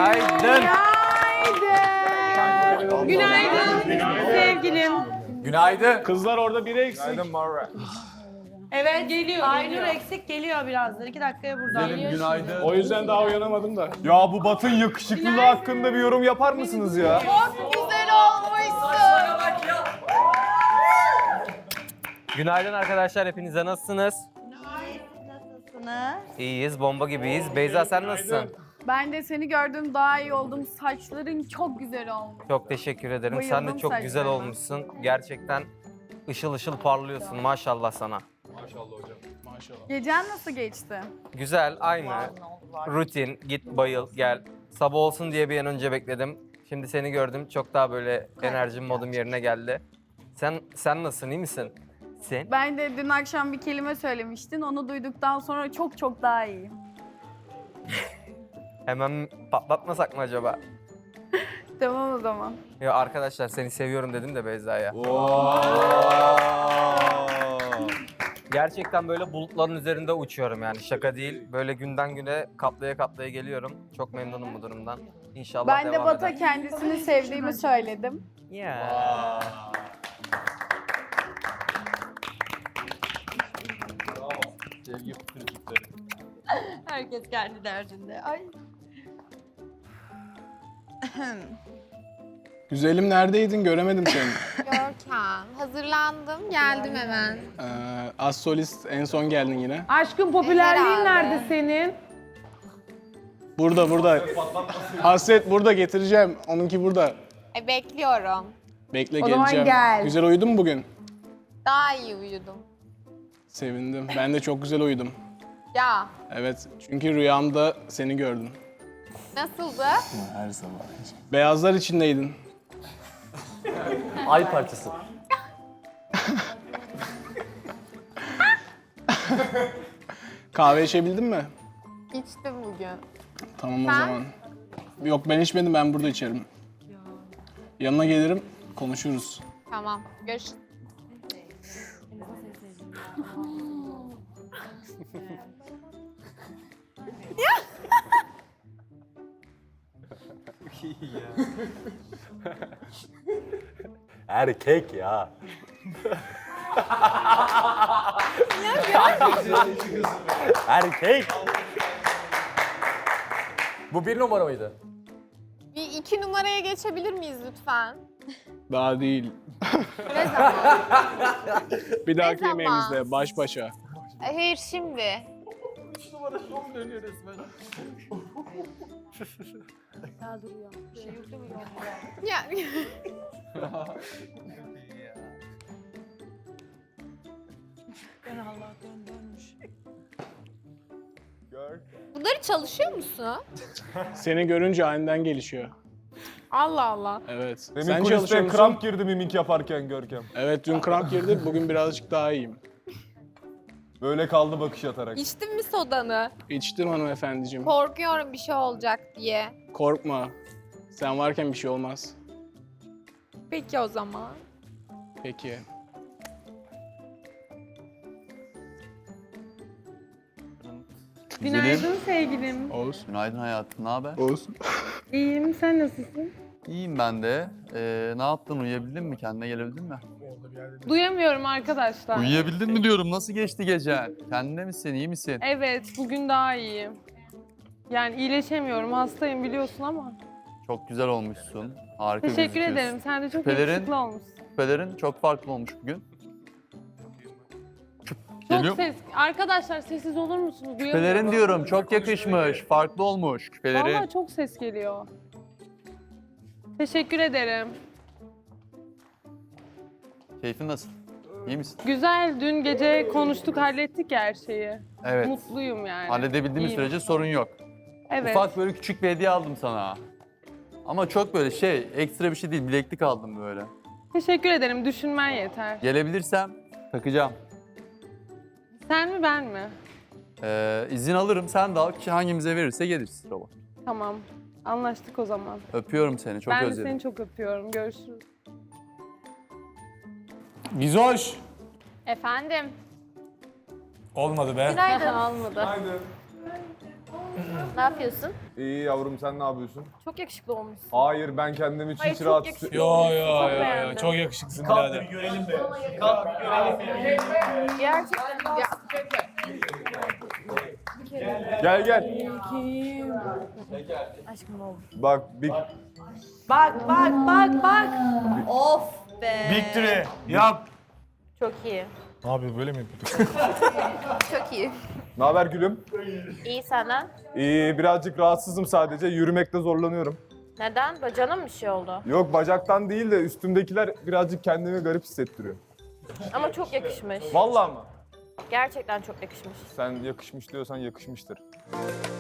Günaydın. Günaydın sevgilim. Günaydın. Kızlar orada biri eksik. Günaydın Marra. Evet geliyor. Aynur eksik geliyor birazdan. 2 dakikaya burada. Günaydın. O yüzden daha uyanamadım da. Ya bu Batın yakışıklılığı hakkında bir yorum yapar mısınız ya? Çok güzel olmuşsun. Günaydın arkadaşlar, hepinize nasılsınız? Nasılsınız? İyiyiz, bomba gibiyiz. Beyza sen nasılsın? Ben de seni gördüm, daha iyi oldum. Saçların çok güzel olmuş. Çok teşekkür ederim. Sen de Bayıldım çok güzel saçlarına. olmuşsun. Gerçekten ışıl ışıl parlıyorsun. Maşallah sana. Gecen nasıl geçti? Güzel, aynı. Rutin, git bayıl, gel. Sabah olsun diye bir an önce bekledim. Şimdi seni gördüm. Çok daha böyle enerjim, modum yerine geldi. Sen nasılsın, iyi misin? Sen? Ben de dün akşam bir kelime söylemiştin. Onu duyduktan sonra çok daha iyiyim. Hemen patlatmasak mı acaba? Tamam o zaman. Ya arkadaşlar seni seviyorum dedim de Beyza'ya. Gerçekten böyle bulutların üzerinde uçuyorum yani şaka değil. Böyle günden güne katlaya katlaya geliyorum. Çok memnunum bu durumdan. İnşallah Ben de devam Bat'a eder. kendisini sevdiğimi söyledim. Ya. Herkes kendi derdinde. Ay. Güzelim neredeydin? Göremedim seni. Görkem. Hazırlandım, geldim hemen. Az solist en son geldin yine. Aşkın popülerliğin Herhalde. nerede senin? Burada. Hasret burada getireceğim. Onunki burada. Bekliyorum. Bekle O zaman geleceğim. gel. Güzel uyudun mu bugün? Daha iyi uyudum. Sevindim. Ben de çok güzel uyudum. Ya, Evet. Çünkü rüyamda seni gördüm. nasıldı? Her sabah. Beyazlar içindeydin. Ay parçası. Kahve içebildin mi? İçtim bugün. Tamam o Sen? zaman. Yok ben içmedim, ben burada içerim. Yanına gelirim, konuşuruz. Tamam, görüşürüz. Erkek ya. Erkek. Bu 1 numara mıydı? Bir 2 numaraya geçebilir miyiz lütfen? Daha değil. Ne zaman? Bir dahaki zaman? yemeğimizde baş başa. Hayır, şimdi. Ya. Bunları çalışıyor musun? Seni görünce aniden gelişiyor. Allah Allah. Evet. Demin Sen çalışıyor kuliste musun? kramp girdi mimik yaparken Görkem. Evet, dün kramp girdi. Bugün birazcık daha iyiyim. Böyle kaldı bakış atarak. İçtin mi sodanı? İçtim hanımefendiciğim. Korkuyorum bir şey olacak diye. Korkma. Sen varken bir şey olmaz. Peki o zaman. Peki. Günaydın sevgilim. Oğuz. Günaydın hayatım, ne haber? Oğuz. İyiyim, sen nasılsın? İyiyim ben de. Ne yaptın, uyuyabildin mi? Kendine gelebildin mi? Duyamıyorum arkadaşlar. Uyuyabildin mi diyorum, nasıl geçti gecen? Kendine misin, iyi misin? Evet, bugün daha iyiyim. Yani iyileşemiyorum, hastayım biliyorsun ama. Çok güzel olmuşsun, harika Teşekkür gözüküyorsun. ederim, sen de çok Küpelerin- yakışıklı olmuşsun. Küpelerin çok farklı olmuş bugün. Çok Geliyor. ses... Arkadaşlar sessiz olur musunuz? Küpelerin Duyamıyorum. diyorum, çok yakışmış, farklı olmuş küpelerin. Vallahi çok ses geliyor. Teşekkür ederim. Keyfin nasıl? İyi misin? Güzel, dün gece konuştuk, hallettik ya her şeyi. Evet. Mutluyum yani. Halledebildiğimiz İyiyim. sürece sorun yok. Evet. Ufak böyle küçük bir hediye aldım sana. Ama çok böyle ekstra bir şey değil, bileklik aldım böyle. Teşekkür ederim, düşünmen yeter. Gelebilirsem takacağım. Sen mi ben mi? İzin alırım, sen de al ki hangimize verirse geliriz robot. Tamam, anlaştık o zaman. Öpüyorum seni, çok ben de özledim. seni çok öpüyorum, görüşürüz. Gizoş. Efendim. Olmadı be. Günaydın. Almadı. Ne yapıyorsun? İyi yavrum sen ne yapıyorsun? Çok yakışıklı olmuşsun. Hayır ben kendimi hiç Hayır, çok rahat yakışıklı. Yo yo Çok yo yo beğendim. çok yakışıklısın birader. Gerçekten Gel gel. aşkım oldu. Bak bir Bak bak bak bak. Of be. Victory yap. Çok iyi. Ne yapıyor böyle mi yapıyor? Çok iyi. Ne haber gülüm? İyi senden. İyi birazcık rahatsızım sadece. Yürümekte zorlanıyorum. Neden? Bacağına mı bir şey oldu? Yok bacaktan değil de üstümdekiler birazcık kendimi garip hissettiriyor. Ama çok yakışmış. Vallahi mı? Gerçekten çok yakışmış. Sen yakışmış diyorsan yakışmıştır.